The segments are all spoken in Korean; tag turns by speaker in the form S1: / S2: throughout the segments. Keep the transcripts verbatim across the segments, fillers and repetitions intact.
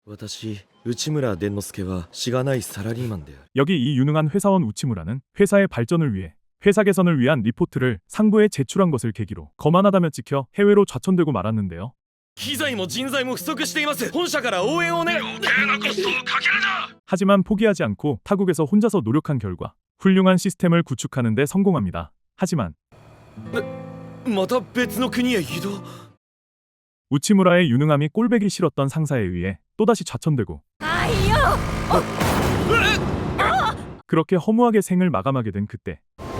S1: 私、内村伝之助はしがないサラリーマンである。
S2: 여기 이 유능한 회사원 우치무라는 회사의 발전을 위해 회사 개선을 위한 리포트를 상부에 제출한 것을 계기로 거만하다며 찍혀 해외로 좌천되고 말았는데요.
S1: 機材も人材も不足しています。本社から応援を願う。余計なコストをかけるな。
S2: 하지만 포기하지 않고 타국에서 혼자서 노력한 결과 훌륭한 시스템을 구축하는 데 성공합니다. 하지만
S1: また別の国へ移動。
S2: 우치무라의 유능함이 꼴배기 싫었던 상사에 의해 또다시 좌천되고 그렇게 허무하게 생을 마감하게 된 그때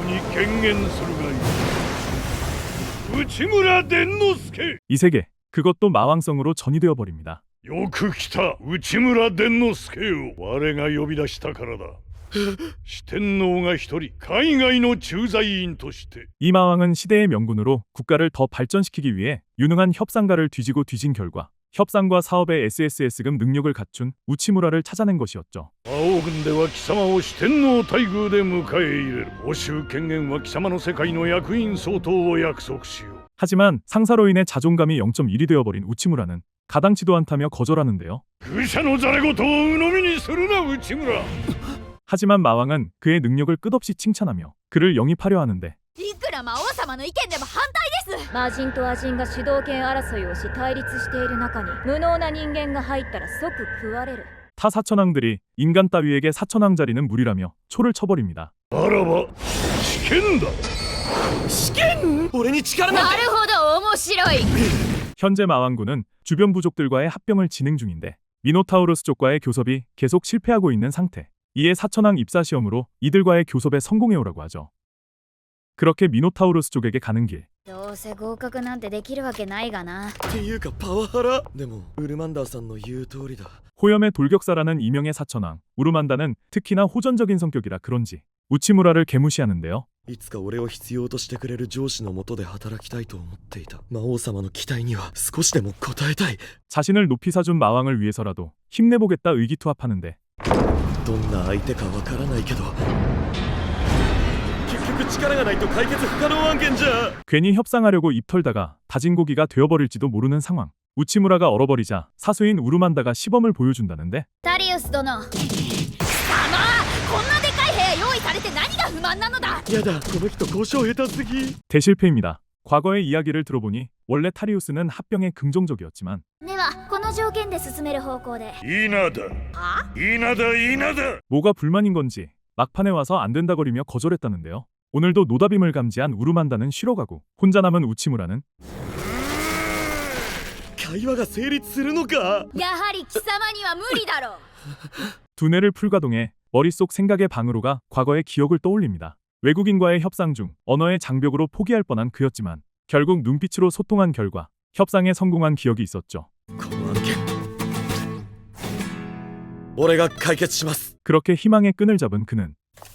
S2: 이 세계 그것도 마왕성으로 전이되어 버립니다.
S3: よく来た内村伝之助よ。我が呼び出したからだ。四天王が一人海外の駐在員として。
S2: 이 마왕은 시대의 명군으로 국가를 더 발전시키기 위해 유능한 협상가를 뒤지고 뒤진 결과 협상과 사업의 에스에스에스급 능력을 갖춘 우치무라를 찾아낸 것이었죠.
S3: 魔王軍では貴様を四天王待遇で迎え入れる。報酬権限は貴様の世界の役員相当を約束しよう。
S2: 하지만 상사로 인해 자존감이 영 점 일이 되어버린 우치무라는 가당치도 않다며 거절하는데요.
S3: 愚者のざれ言を鵜呑みにするな内村。
S2: 하지만 마왕은 그의 능력을 끝없이 칭찬하며 그를 영입하려 하는데
S4: いくら魔王様の意見でも反対です。
S5: 魔人と亜人が主導権争いをし対立している中に無能な人間が入ったら即食われる。
S2: 타 사천왕들이 인간 따위에게 사천왕 자리는 무리라며 초를 쳐버립니다.
S3: あらば試験だ。
S1: 試験？俺に力なんて。
S4: なるほど面白い。
S2: 현재 마왕군은 주변 부족들과의 합병을 진행 중인데 미노타우루스 쪽과의 교섭이 계속 실패하고 있는 상태. 이에 사천왕 입사 시험으로 이들과의 교섭에 성공해오라고 하죠. 그렇게 미노타우루스 쪽에게 가는 길.
S5: どうせ合格なんてできるわけないがな。
S1: っていうかパワハラ。でもウルマンダーさんの言う通りだ。
S2: 호염의 돌격사라는 이명의 사천왕 우르만다는 특히나 호전적인 성격이라 그런지 우치무라를 개무시하는데요.
S1: いつか俺を必要としてくれる上司の下で働きたいと思っていた。魔王様の期待には少しでも応えたい。
S2: 자신을 높이 사준 마왕을 위해서라도 힘내보겠다 의기투합하는데
S1: どんな相手かわからないけど結局力がないと解決不可能案件じゃ。
S2: 괜히 협상하려고 입 털다가 다진 고기가 되어버릴지도 모르는 상황. 우치무라가 얼어버리자 사수인 우르만다가 시범을 보여준다는데
S5: タリウス殿。
S4: 様、こんなでかい部屋用意されて何が不満なのだ。
S1: やだ、この人交渉下手すぎ。
S2: 대실패입니다. 과거의 이야기를 들어보니 원래 타리우스는 합병에 긍정적이었지만
S5: ではこの条件で進める方向で。
S3: 稲だ稲だ稲だ。
S2: 뭐가 불만인 건지 막판에 와서 안 된다거리며 거절했다는데요. 오늘도 노다빔을 감지한 우르만다는 쉬러 가고 혼자 남은 우치무라는
S1: 会話が成立するのか。
S4: やはり貴様には無理だろう。
S2: 두뇌를 풀가동해 머릿속 생각의 방으로 가 과거의 기억을 떠올립니다. 외국인과의 협상 중 언어의 장벽으로 포기할 뻔한 그였지만 결국 눈빛으로 소통한 결과 협상에 성공한 기억이 있었죠.
S1: この案件俺が解決します。
S2: 그렇게 희망의 끈을 잡은 그는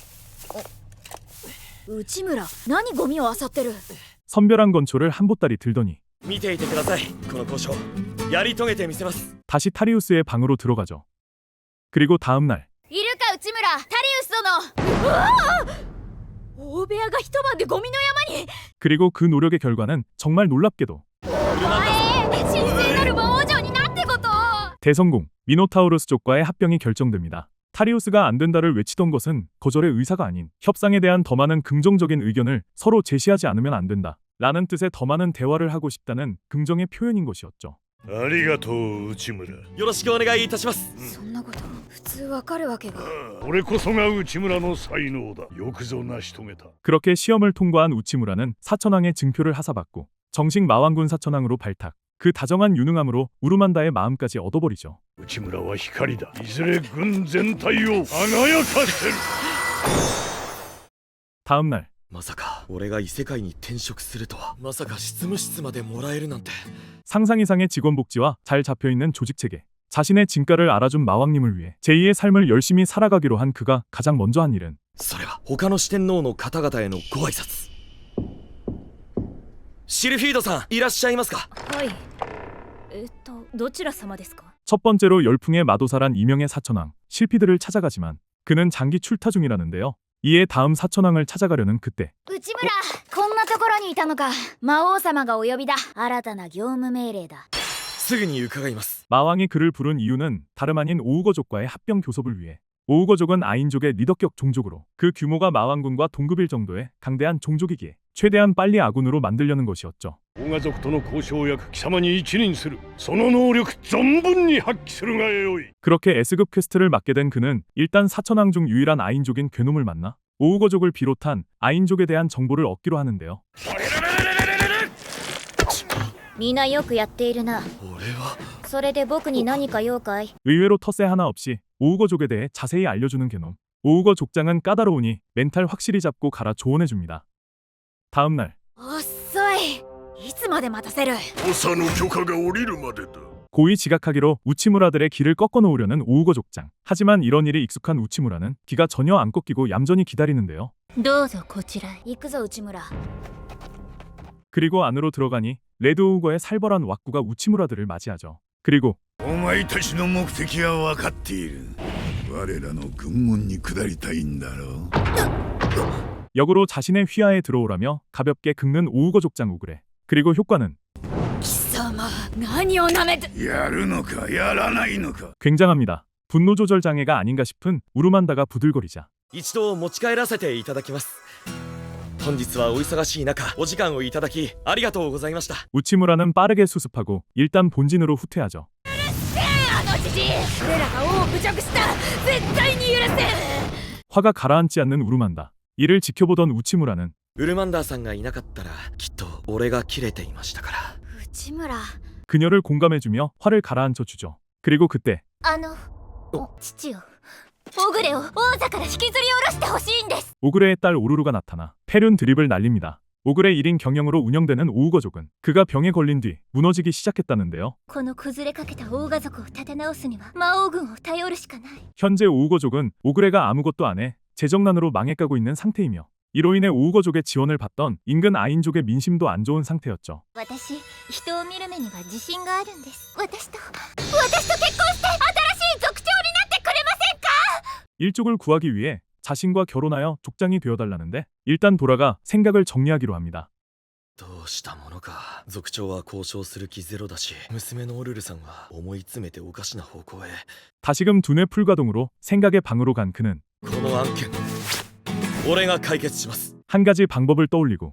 S4: 内村、何ゴミを漁ってる。
S2: 선별한 건초를 한 보따리 들더니
S1: 見ていてください。この交渉やり遂げてみせます。
S2: 다시 타리우스의 방으로 들어가죠. 그리고 다음 날
S4: いるか内村、タリウス殿。うわあ、大部屋が一晩でゴミの山に。
S2: 그리고 그 노력의 결과는 정말 놀랍게도
S4: お前、神聖なる魔王城になってこと。
S2: 대성공. 미노타우루스 쪽과의 합병이 결정됩니다. 타리우스가 안 된다를 외치던 것은 거절의 의사가 아닌 협상에 대한 더 많은 긍정적인 의견을 서로 제시하지 않으면 안 된다 라는 뜻의 더 많은 대화를 하고 싶다는 긍정의 표현인 것이었죠.
S3: ありがとう内村。
S1: よろしくお願いいたします。
S5: そんなこと普通わかるわけが。
S3: 俺こそが内村の才能だ。よくぞ成し遂げた。
S2: 그렇게 시험을 통과한 우치무라는 사천왕의 증표를 하사받고 정식 마왕군 사천왕으로 발탁. 그 다정한 유능함으로 우르만다의 마음까지 얻어버리죠.
S3: 内村は光だ。いずれ軍全体を輝かせる。
S2: 다음 날
S1: まさか俺が異世界に転職するとは。まさか執務室までもらえるなんて。
S2: 상상 이상의 직원 복지와 잘 잡혀있는 조직체계 자신의 진가를 알아준 마왕님을 위해 제이의 삶을 열심히 살아가기로 한 그가 가장 먼저 한 일은
S1: それは他の四天王の方々へのご挨拶。シルフィードさんいらっしゃいますか。
S5: はい。えっとどちら様ですか。
S2: 첫 번째로 열풍의 마도사란 이명의 사천왕 실피드를 찾아가지만 그는 장기 출타 중이라는데요. 이에 다음 사천왕을 찾아가려는 그때
S5: 内村、こんなところにいたのか。魔王様がお呼びだ。新たな業務命令だ。
S1: すぐに伺います。
S2: 마왕이 그를 부른 이유는 다름 아닌 오우거족과의 합병 교섭을 위해. 오우거족은 아인족의 리더격 종족으로 그 규모가 마왕군과 동급일 정도의 강대한 종족이기에 최대한 빨리 아군으로 만들려는 것이었죠.
S3: オガ族との交渉や貴様に一任する。その能力存分に発揮するがよい。
S2: 그렇게 S급 퀘스트를 맡게 된 그는 일단 사천왕 중 유일한 아인족인 괴놈을 만나 오우거족을 비롯한 아인족에 대한 정보를 얻기로 하는데요.
S5: みんなよくやっているな。
S1: 俺は
S5: それで僕に何か用かい？
S2: 의외로 텃세 하나 없이 오우거족에 대해 자세히 알려주는 괴놈. 오우거 족장은 까다로우니 멘탈 확실히 잡고 가라 조언해줍니다. 다음날
S4: 遅い。いつまで待たせる。
S3: 長の許可が下りるまでだ。
S2: 고의 지각하기로 우치무라들의 길을 꺾어놓으려는 오우거 족장. 하지만 이런 일이 익숙한 우치무라는 기가 전혀 안 꺾이고 얌전히 기다리는데요.
S5: どうぞこちらへ。
S4: 行くぞ内村。
S2: 그리고 안으로 들어가니 레드 오우거의 살벌한 왁구가 우치무라들을 맞이하죠. 그리고
S3: お前たちの目的は分かっている。我らの軍門に下りたいんだろう。
S2: 역으로 자신의 휘하에 들어오라며 가볍게 긁는 오우거 족장 우그레. 그리고 효과는
S4: 貴様何をなめて。
S3: やるのかやらないのか。
S2: 굉장합니다. 분노 조절 장애가 아닌가 싶은 우르만다가 부들거리자
S1: 一度持ち帰らせていただきます。本日はお忙しい中お時間をいただきありがとうございました。
S2: 우치무라는 빠르게 수습하고 일단 본진으로 후퇴하죠.
S4: あのじじい俺らが王を侮辱した。絶対に許せん。
S2: 화가 가라앉지 않는 우르만다. 이를 지켜보던 우치무라는
S1: ウルマンダーさんがいなかったらきっと俺が切れていましたから。
S4: 内村。
S2: 그녀를 공감해주며 화를 가라앉혀 주죠. 그리고 그때
S5: あの、父よ。オグレを王座から引きずり下ろしてほしいんです。
S2: 오그레의 딸 오루루가 나타나 페륜 드립을 날립니다. 오그레 일 인 경영으로 운영되는 오우거족은 그가 병에 걸린 뒤 무너지기 시작했다는데요.
S5: この崩れかけたオーガ族を立て直すには魔王軍を頼るしかない。
S2: 현재 오우거족은 오그레가 아무것도 안 해 재정난으로 망해가고 있는 상태이며 이로 인해 오우거족의 지원을 받던 인근 아인족의 민심도 안 좋은 상태였죠.
S5: 私、人を見る目には自信があるんです。私と、私と結婚して新しい族長になってくれませんか？
S2: 일족을 구하기 위해 자신과 결혼하여 족장이 되어달라는데 일단 돌아가 생각을 정리하기로 합니다.
S1: どうしたものか。族長は交渉する気ゼロだし、娘のオルルさんは思い詰めておかしな方向へ。
S2: 다시금 두뇌 풀가동으로 생각의 방으로 간 그는
S1: この案件俺が解決します。
S2: 한 가지 방법을 떠올리고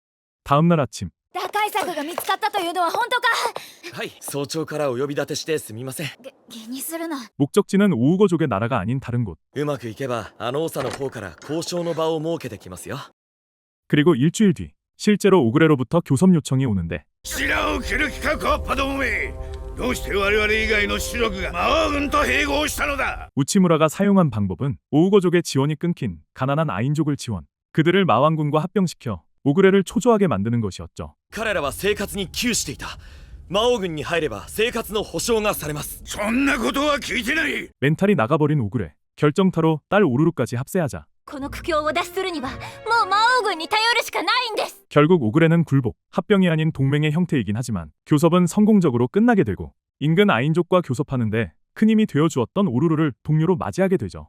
S2: 다음날 아침
S4: 打開策が見つかったというのは本当か。
S1: はい、早朝からお呼び立てしてすみません。
S4: げ気にするな。
S2: 목적지는 오우거족의 나라가 아닌 다른 곳.
S1: うまくいけばあの長の方から交渉の場を設けてきますよ。
S2: 그리고 일주일 뒤 실제로 오그레로부터 교섭 요청이 오는데
S3: 白を切る気かコッパどもめ。どうして我々以外の主力が魔王軍と併合したのだ。
S2: 우치무라가 사용한 방법은 오우거족의 지원이 끊긴 가난한 아인족을 지원, 그들을 마왕군과 합병시켜 오그레를 초조하게 만드는 것이었죠.
S1: 彼らは生活に窮していた。魔王軍に入れば生活の保障がされます。
S3: そんなことは聞いてない。
S2: 멘탈이 나가버린 오그레. 결정타로 딸 오루루까지 합세하자
S5: この苦境を脱出するにはもう魔王軍に頼るしかないんです。
S2: 결국 오그레는 굴복, 합병이 아닌 동맹의 형태이긴 하지만 교섭은 성공적으로 끝나게 되고 인근 아인족과 교섭하는데 큰 힘이 되어주었던 오루루를 동료로 맞이하게 되죠.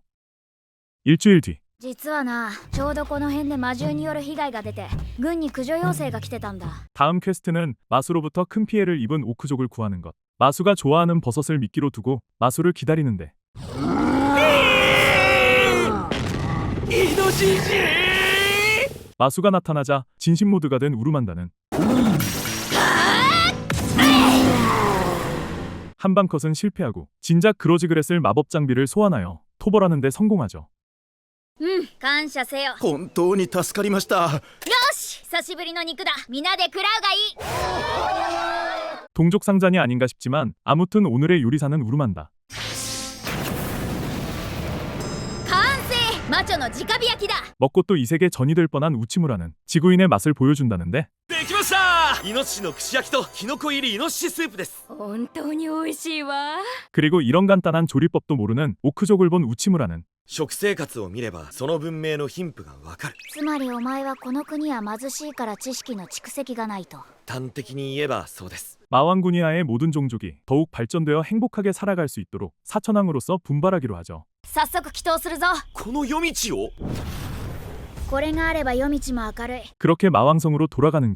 S2: 일주일 뒤
S4: 実はな、ちょうどこの辺で魔獣による被害が出て軍に駆除要請が来てたんだ。
S2: 다음 퀘스트는 마수로부터 큰 피해를 입은 오크족을 구하는 것. 마수가 좋아하는 버섯을 미끼로 두고 마수를 기다리는데 마수가 나타나자 진심 모드가 된 우르만다는 한방 컷은 실패하고 진작 그로지그렛을 마법 장비를 소환하여 토벌하는 데 성공하죠.
S4: うん、感謝せよ。よ
S1: 本当に助かりました。
S4: し、久しぶりの肉だ。皆で食らうがいい。
S2: 동족 상잔이 아닌가 싶지만 아무튼 오늘의 요리사는 우르만다.
S4: 完成、マチョの直火焼きだ。
S2: 먹고 또 이 세계 전이 될 뻔한 우치무라는 지구인의 맛을 보여준다는데
S1: できました。イノシシの串焼きとキノコ入りイノシシスープです。
S4: 本当に美味しいわ。
S2: 그리고 이런 간단한 조리법도 모르는 오크족을 본 우치무라는
S1: 食生活を見ればその文明の貧富がわかる。
S4: つまりお前はこの国は貧しいから知識の蓄積がないと。
S1: 端的に言えばそうです。
S2: 마왕군이하의 모든 종족이 더욱 발전되어 행복하게 살아갈 수 있도록 사천왕으로서 분발하기로 하죠.
S4: 早速祈祷するぞ。
S1: この夜道を
S4: これがあれば夜道も明るい。
S2: 그렇게 마왕성으로 돌아가는 길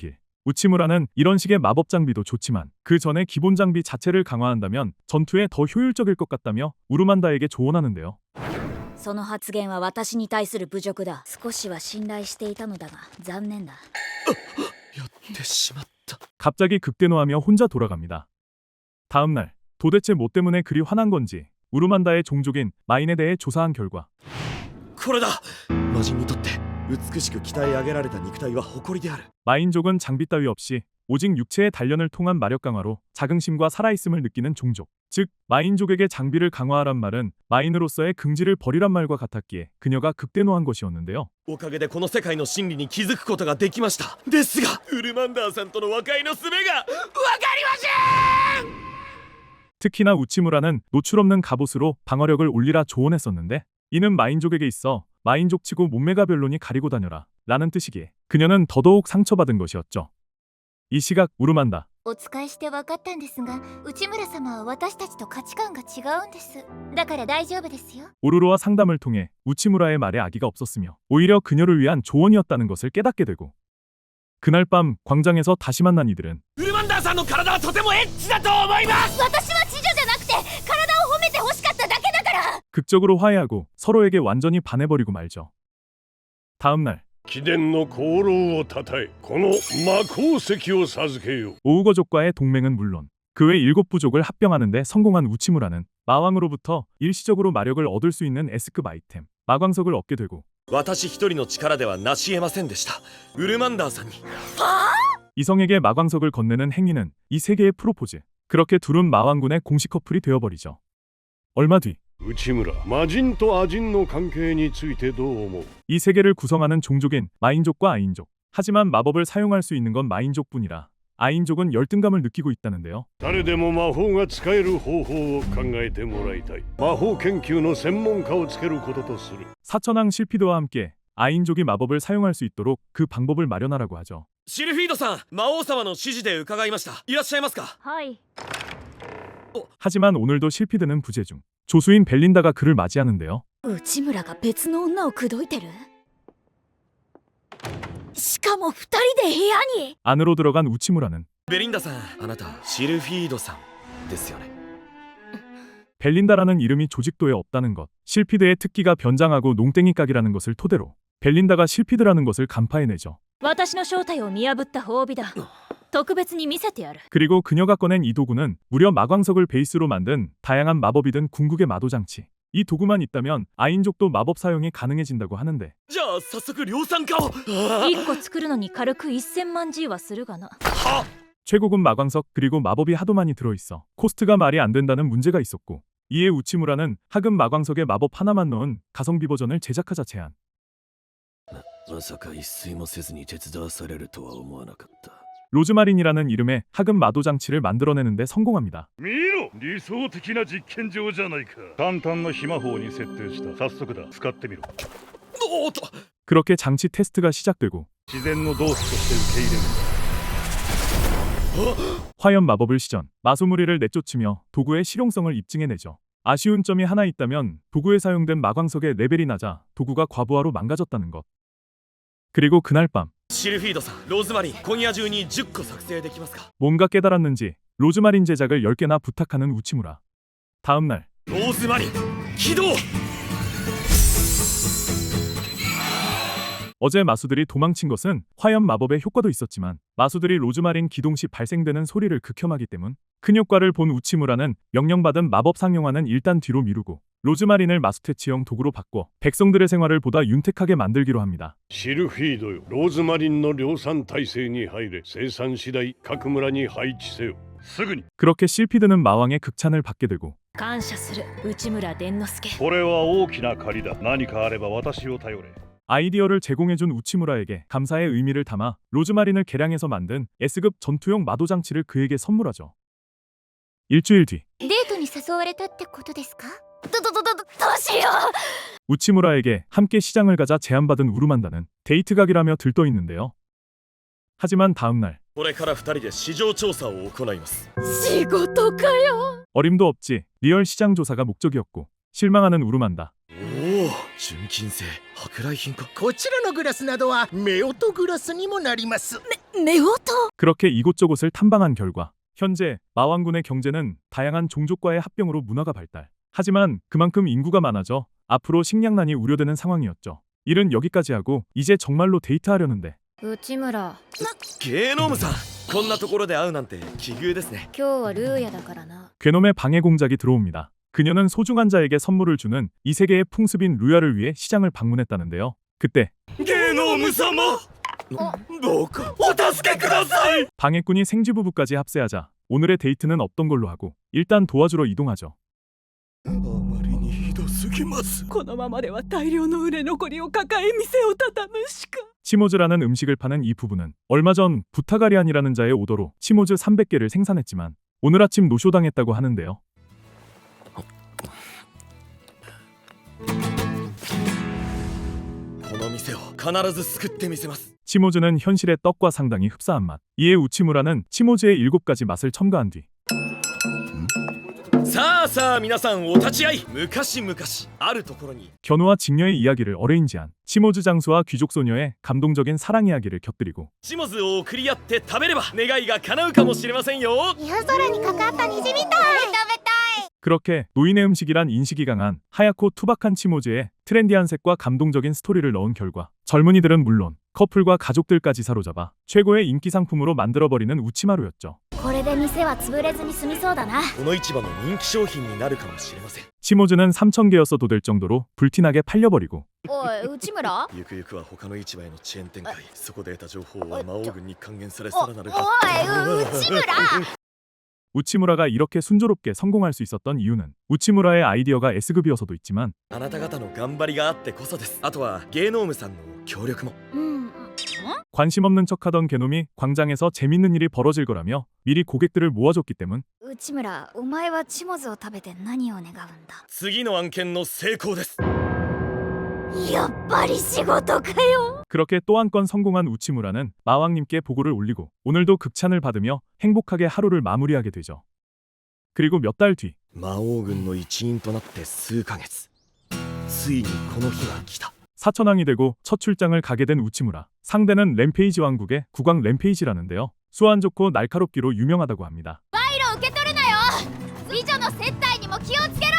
S2: 우치무라는 이런 식의 마법 장비도 좋지만 그 전에 기본 장비 자체를 강화한다면 전투에 더 효율적일 것 같다며 우르만다에게 조언하는데요.
S4: その発言は私に対する侮辱だ。少しは信頼していたのだが残念だ。
S1: やってしまった。
S2: 갑자기 극대노하며 혼자 돌아갑니다. 다음날 도대체 뭐 때문에 그리 화난 건지 우르만다의 종족인 마인에 대해 조사한 결과
S1: これだ。魔人にとって美しく鍛え上げられた肉体は誇りである。
S2: 마인족은 장비 따위 없이 오직 육체의 단련을 통한 마력 강화로 자긍심과 살아있음을 느끼는 종족. 즉 마인족에게 장비를 강화하란 말은 마인으로서의 긍지를 버리란 말과 같았기에 그녀가 극대노한 것이었는데요.
S1: おかげでこの世界の真理に気づくことができました。ですがウルマンダーさんとの和解の術がわかりません。
S2: 특히나 우치무라는 노출 없는 갑옷으로 방어력을 올리라 조언했었는데 이는 마인족에게 있어 마인족치고 몸매가 별로니 가리고 다녀라 라는 뜻이기에 그녀는 더더욱 상처받은 것이었죠. 이 시각 우르만다.
S5: お使いして分かったんですが、内村様は私たちと価値観が違うんです。だから大丈夫ですよ。
S2: 오로로와 상담을 통해 우치무라의 말에 악의가 없었으며 오히려 그녀를 위한 조언이었다는 것을 깨닫게 되고 그날 밤 광장에서 다시 만난 이들은
S1: ウルマンダーさんの体はとてもエッチだと思います。
S5: 私は知女じゃなくて体を褒めて欲しかっただけだから。
S2: 극적으로 화해하고 서로에게 완전히 반해버리고 말죠. 다음날
S3: 貴殿の功労をたたえこの魔鉱石を授けよう。
S2: 오우거족과의 동맹은 물론 그 외 일곱 부족을 합병하는 데 성공한 우치무라는 마왕으로부터 일시적으로 마력을 얻을 수 있는 S급 아이템 마광석을 얻게 되고
S1: 私一人の力では成し得ませんでした。ウルマンダーさんに
S2: 이성에게 마광석을 건네는 행위는 이 세계의 프로포즈. 그렇게 둘은 마왕군의 공식 커플이 되어버리죠. 얼마 뒤 이
S3: 内村魔人とアジンの関係についてどう思う？
S2: 세계를 구성하는 종족인 마인족과 아인족. 하지만 마법을 사용할 수 있는 건 마인족뿐이라 아인족은 열등감을 느끼고 있다는데요.
S3: 誰でも魔法が使える方法を考えてもらいたい。魔法研究の専門家をつけることとする。
S2: 사천왕 실피드와 함께 아인족이 마법을 사용할 수 있도록 그 방법을 마련하라고 하죠.
S1: シルフィードさん、魔王様の指示で伺いました。いらっしゃいますか？
S4: はい。
S2: 하지만 오늘도 실피드는 부재 중. 조수인 벨린다가 그를 맞이하는데요.
S4: 内村が別の女を口説いてる。しかも二人で部屋に。
S2: 안으로 들어간 우치무라는
S1: ベリンダさん、あなたシルフィードさんですよね。
S2: 벨린다라는 이름이 조직도에 없다는 것, 실피드의 특기가 변장하고 농땡이 깍이라는 것을 토대로 벨린다가 실피드라는 것을 간파해내죠.
S4: 私の正体を見破った褒美だ。特別に見せてやる。
S2: 그리고 그녀가 꺼낸 이 도구는 무려 마광석을 베이스로 만든 다양한 마법이 든 궁극의 마도장치. 이 도구만 있다면 아인족도 마법 사용이 가능해진다고 하는데
S1: じゃあ早速量産化を。
S4: 一個作るのに軽くせんまんジーはするがな。
S2: 최고급 마광석 그리고 마법이 하도 많이 들어있어 코스트가 말이 안 된다는 문제가 있었고 이에 우치무라는 하급 마광석에 마법 하나만 넣은 가성비 버전을 제작하자 제안.
S1: まさか一睡もせずに手伝わされるとは思わなかった。
S2: 로즈마린이라는 이름의 하급 마도장치를 만들어내는데 성공합니다.
S3: 見ろ、理想的な実験場じゃないか。簡単な秘魔法に設定した。早速だ、使ってみろ。
S1: おーっと
S2: 그렇게 장치 테스트가 시작되고
S3: 自然の動作として受け入れる。
S2: 화염 마법을 시전, 마소무리를 내쫓으며 도구의 실용성을 입증해내죠. 아쉬운 점이 하나 있다면 도구에 사용된 마광석의 레벨이 낮아 도구가 과부하로 망가졌다는 것. 그리고 그날 밤
S1: シルフィードさん、ローズマリン、今夜中にじゅっこ作成できますか？
S2: 뭔가 깨달았는지 로즈마린 제작을 열 개나 부탁하는 우치무라. 다음날
S1: ローズマリン起動。
S2: 어제 마수들이 도망친 것은 화염 마법의 효과도 있었지만 마수들이 로즈마린 기동 시 발생되는 소리를 극혐하기 때문 큰 효과를 본 우치무라는 명령받은 마법 상용화는 일단 뒤로 미루고 로즈마린을 마수 퇴치형 도구로 바꿔 백성들의 생활을 보다 윤택하게 만들기로 합니다.
S3: シルフィードよ、ローズマリンの量産体制に入れ。生産次第各村に配置せよ。すぐに。
S2: 그렇게 실피드는 마왕의 극찬을 받게 되고
S4: 感謝する内村伝之助。
S3: これは大きな借りだ。何かあれば私を頼れ。
S2: 아이디어를 제공해준 우치무라에게 감사의 의미를 담아 로즈마린을 개량해서 만든 S급 전투용 마도장치를 그에게 선물하죠. 일주일 뒤
S5: デートに誘われたってことですか？どどどどどうしよう。
S2: 우치무라에게 함께 시장을 가자 제안받은 우르만다는 데이트 각이라며 들떠있는데요. 하지만 다음날
S1: これから二人で市場調査を行います。
S4: 仕事かよ。
S2: 어림도 없지 리얼 시장 조사가 목적이었고 실망하는 우르만다.
S1: おお、純金製舶来品か。
S6: こちらのグラスなどは夫婦グラスにもなります。
S4: め夫婦
S2: 그렇게 이곳저곳을 탐방한 결과 현재 마왕군의 경제는 다양한 종족과의 합병으로 문화가 발달. 하지만 그만큼 인구가 많아져 앞으로 식량난이 우려되는 상황이었죠. 일은 여기까지 하고 이제 정말로 데이트하려는데
S4: 内村
S1: ゲノムさん、こんなところで会うなんて奇遇ですね。
S4: 今日はルーヤだからな
S2: 괴놈의 방해 공작이 들어옵니다. 그녀는 소중한 자에게 선물을 주는 이 세계의 풍습인 루야를 위해 시장을 방문했다는데요. 그때
S1: ゲノム様、どうかお助けください。
S2: 방해꾼이 생쥐부부까지 합세하자 오늘의 데이트는 없던 걸로 하고 일단 도와주러 이동하죠.
S1: あまりにひどすぎます。
S6: このままでは大量の売れ残りを抱え店を畳むしか。
S2: 치모즈라는 음식을 파는 이 부부는 얼마 전 부타가리안이라는 자의 오더로 치모즈 삼백 개를 생산했지만 오늘 아침 노쇼당했다고 하는데요.
S1: この店を必ず救ってみせます。
S2: 치모즈는 현실의 떡과 상당히 흡사한 맛. 이에 우치무라는 치모즈의 일곱 가지 맛을 첨가한 뒤
S1: さあさあ皆さんお立ち会い。昔々あるところに
S2: 견우와 직녀의 이야기를 어레인지한 치모즈 장수와 귀족 소녀의 감동적인 사랑 이야기를 곁들이고
S1: チモズを送り合って食べれば願いが叶うかもしれませんよ。
S5: 夜空にかかった虹みたい。食べたい。
S2: 그렇게 노인의 음식이란 인식이 강한 하얗고 투박한 치모즈에 트렌디한 색과 감동적인 스토리를 넣은 결과 젊은이들은 물론 커플과 가족들까지 사로잡아 최고의 인기 상품으로 만들어버리는 우치마루였죠.
S4: これで店は潰れずに済みそうだな
S1: この市場の人気商品になるかもしれません。
S2: 치모즈는 삼천 개였어도 될 정도로 불티나게 팔려버리고
S4: おい内村
S1: ゆくゆくは他の市場へのチェーン展開。そこで得た情報は魔王軍に還元されさらなる
S4: おおい内村
S2: 우치무라가 이렇게 순조롭게 성공할 수 있었던 이유는 우치무라의 아이디어가 S급이어서도 있지만
S1: あなた方の頑張りがあってこそです。あとはゲノームさんの協力も。
S4: うん
S2: 관심 없는 척하던 개놈이 광장에서 재밌는 일이 벌어질 거라며 미리 고객들을 모아줬기 때문
S4: 内村お前はチモズを食べて何を願うんだ
S1: 次の案件の成功です。
S4: やっぱり仕事かよ
S2: 그렇게 또 한 건 성공한 우치무라는 마왕님께 보고를 올리고 오늘도 극찬을 받으며 행복하게 하루를 마무리하게 되죠. 그리고 몇 달 뒤
S1: 魔王軍の一員となって数ヶ月。ついにこの日が来た。
S2: 사천왕이 되고 첫 출장을 가게 된 우치무라. 상대는 램페이지 왕국의 국왕 램페이지라는데요. 수완 좋고 날카롭기로 유명하다고 합니다.
S4: 受け取るなよ美女の接待にも気をつけろよ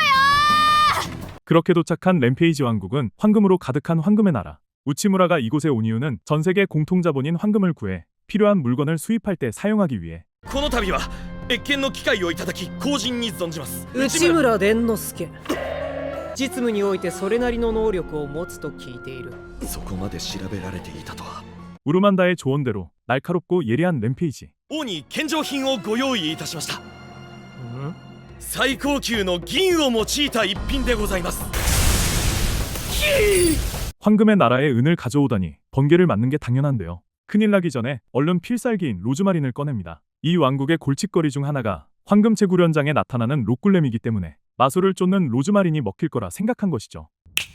S2: 그렇게 도착한 램페이지 왕국은 황금으로 가득한 황금의 나라. 우치무라가 이곳에 온 이유는 전 세계 공통자본인 황금을 구해 필요한 물건을 수입할 때 사용하기 위해
S1: この度は謁見の機会をいただき後人に存じます。
S6: 内村伝之助実務においてそれなりの能力を持つと聞いている。
S1: そこまで調べられていたとは。
S2: 우르만다의 조언대로 날카롭고 예리한 램페이지.
S1: 王に献上品をご用意いたしました。
S6: ん
S1: 最高級の銀を用いた一品でございます。
S2: 황금의 나라에 은을 가져오다니 번개를 맞는 게 당연한데요. 큰일 나기 전에 얼른 필살기인 로즈마린을 꺼냅니다. 이 왕국의 골칫거리 중 하나가 황금체 구련장에 나타나는 록굴렘이기 때문에 마술을 쫓는 로즈마린이 먹힐 거라 생각한 것이죠.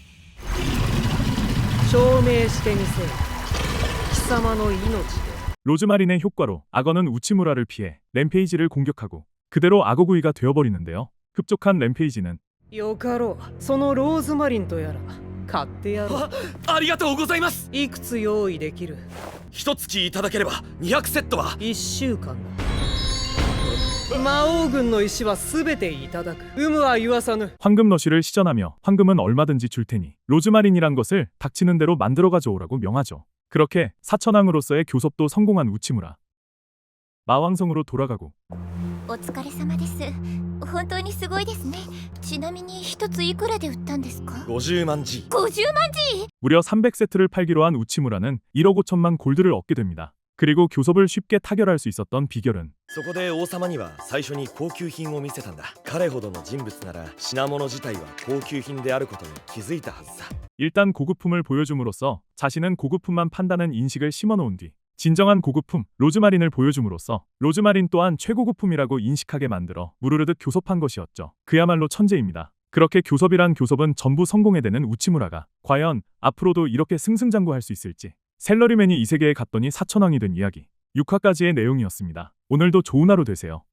S6: 証明してみせよ貴様の命で
S2: 로즈마린의 효과로 악어는 우치무라를 피해 램페이지를 공격하고 그대로 악어구이가 되어버리는데요. 흡족한 램페이지는
S6: よかろうそのローズマリンとやら買ってやろう
S1: あ、ありがとうございます。
S6: いくつ用意できる
S1: 一月いただければにひゃくセットは。
S6: いっしゅうかんだ魔王軍の石はすべていただく有無は言わさぬ
S2: 황금 러쉬를 시전하며 황금은 얼마든지 줄 테니 로즈마린이란 것을 닥치는 대로 만들어 가져오라고 명하죠. 그렇게 사천왕으로서의 교섭도 성공한 우치무라. 마왕성으로 돌아가고
S5: お疲れ様です。本当にすごいですね。ちなみに一ついくらで売ったんですか？
S1: ごじゅうまんジー。
S5: ごじゅうまんジー。
S2: 무려 삼백 세트를 팔기로 한 우치무라는 일억 오천만 골드를 얻게 됩니다. 그리고 교섭을 쉽게 타결할 수 있었던 비결은
S1: そこで王様には最初に高級品を見せたんだ。彼ほどの人物なら品物自体は高級品であることに気づいたはずさ。
S2: 일단 고급품을 보여줌으로써 자신은 고급품만 판다는 인식을 심어놓은 뒤 진정한 고급품 로즈마린을 보여줌으로써 로즈마린 또한 최고급품이라고 인식하게 만들어 무르르듯 교섭한 것이었죠. 그야말로 천재입니다. 그렇게 교섭이란 교섭은 전부 성공해대는 우치무라가 과연 앞으로도 이렇게 승승장구할 수 있을지. 셀러리맨이 이 세계에 갔더니 사천왕이 된 이야기 육 화까지의 내용이었습니다. 오늘도 좋은 하루 되세요.